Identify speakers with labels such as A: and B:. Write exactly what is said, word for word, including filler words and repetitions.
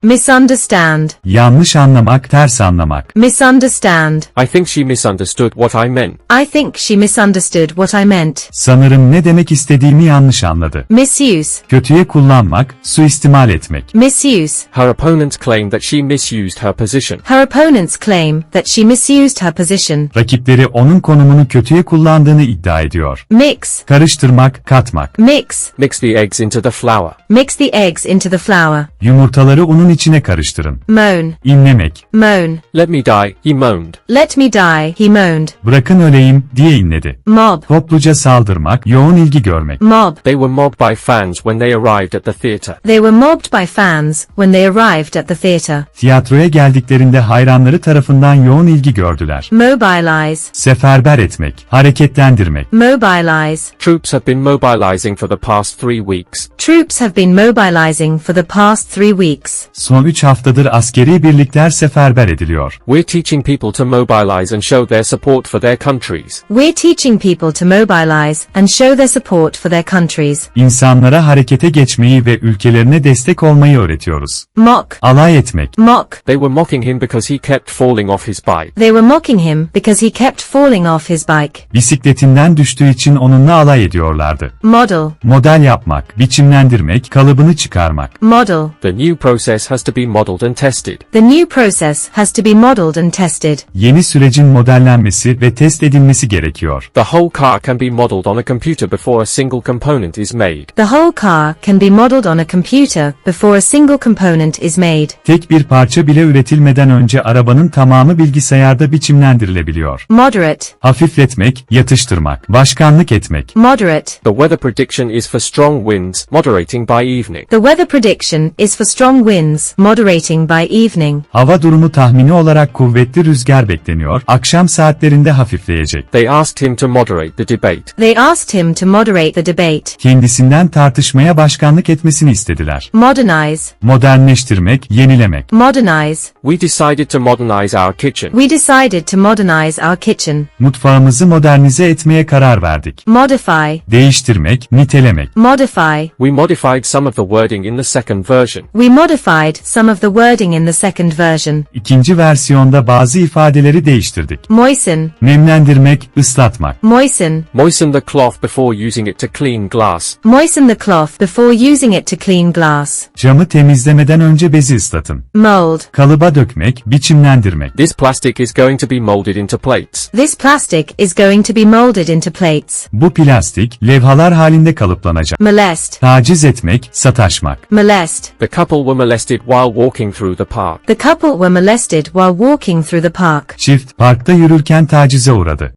A: Misunderstand.
B: Yanlış anlamak, ters anlamak.
A: Misunderstand.
C: I think she misunderstood what I meant.
A: I think she misunderstood what I meant.
B: Sanırım ne demek istediğimi yanlış anladı.
A: Misuse.
B: Kötüye kullanmak, suistimal etmek.
A: Misuse.
C: Her opponents claim that she misused her position.
A: Her opponents claim that she misused her position.
B: Rakipleri onun konumunu kötüye kullandığını iddia ediyor.
A: Mix.
B: Karıştırmak, katmak.
A: Mix.
C: Mix the eggs into the flour.
A: Mix the eggs into the flour.
B: Yumurtaları unun içine karıştırın.
A: Moan.
B: İnlemek.
A: Moan.
C: Let me die, he moaned.
A: Let me die, he moaned.
B: Bırakın öleyim, diye inledi.
A: Mob.
B: Topluca saldırmak, yoğun ilgi görmek.
A: Mob.
C: They were mobbed by fans when they arrived at the theatre.
A: They were mobbed by fans when they arrived at the theatre.
B: Tiyatroya geldiklerinde hayranları tarafından yoğun ilgi gördüler.
A: Mobilize.
B: Seferber etmek, hareketlendirmek.
A: Mobilize.
C: Troops have been mobilizing for the past three weeks.
A: Troops have been mobilizing for the past three weeks.
B: Son üç haftadır askeri birlikler seferber ediliyor.
C: We're teaching people to mobilize and show their support for their countries.
A: We're teaching people to mobilize and show their support for their countries.
B: İnsanlara harekete geçmeyi ve ülkelerine destek olmayı öğretiyoruz.
A: Mock.
B: Alay etmek.
A: Mock.
C: They were mocking him because he kept falling off his bike.
A: They were mocking him because he kept falling off his bike.
B: Bisikletinden düştüğü için onunla alay ediyorlardı.
A: Model.
B: Model yapmak, biçimlendirmek, kalıbını çıkarmak.
A: Model.
C: The new process has to be modeled and tested.
A: The new process has to be modeled and tested.
B: Yeni sürecin modellenmesi ve test edilmesi gerekiyor.
C: The whole car can be modeled on a computer before a single component is made.
A: The whole car can be modeled on a computer before a single component is made.
B: Tek bir parça bile üretilmeden önce arabanın tamamı bilgisayarda biçimlendirilebiliyor.
A: Moderate.
B: Hafifletmek, yatıştırmak, başkanlık etmek.
A: Moderate.
C: The weather prediction is for strong winds, moderating by evening.
A: The weather prediction is for strong winds, moderating by evening.
B: Hava durumu tahmini olarak kuvvetli rüzgar bekleniyor, akşam saatlerinde hafifleyecek.
C: They asked him to moderate the debate.
A: They asked him to moderate the debate.
B: Kendisinden tartışmaya başkanlık etmesini istediler.
A: Modernize.
B: Modernleştirmek, yenilemek.
A: Modernize.
C: We decided to modernize our kitchen.
A: We decided to modernize our kitchen.
B: Mutfağımızı modernize etmeye karar verdik.
A: Modify.
B: Değiştirmek, nitelemek.
A: Modify.
C: We modified some of the wording in the second version.
A: We modified some of the wording in the second version.
B: İkinci versiyonda bazı ifadeleri değiştirdik.
A: Moisten.
B: Nemlendirmek, ıslatmak.
A: Moisten.
C: Moisten the cloth before using it to clean glass.
A: Moisten the cloth before using it to clean glass.
B: Camı temizlemeden önce bezi ıslatın.
A: Mold.
B: Kalıba dökmek, biçimlendirmek.
C: This plastic is going to be molded into plates.
A: This plastic is going to be molded into plates.
B: Bu plastik, levhalar halinde kalıplanacak.
A: Molest.
B: Taciz etmek, sataşmak.
A: Molest.
C: The couple were molested while walking through the park.
A: The couple were molested while walking through the park.
B: Çift, parkta yürürken tacize uğradı.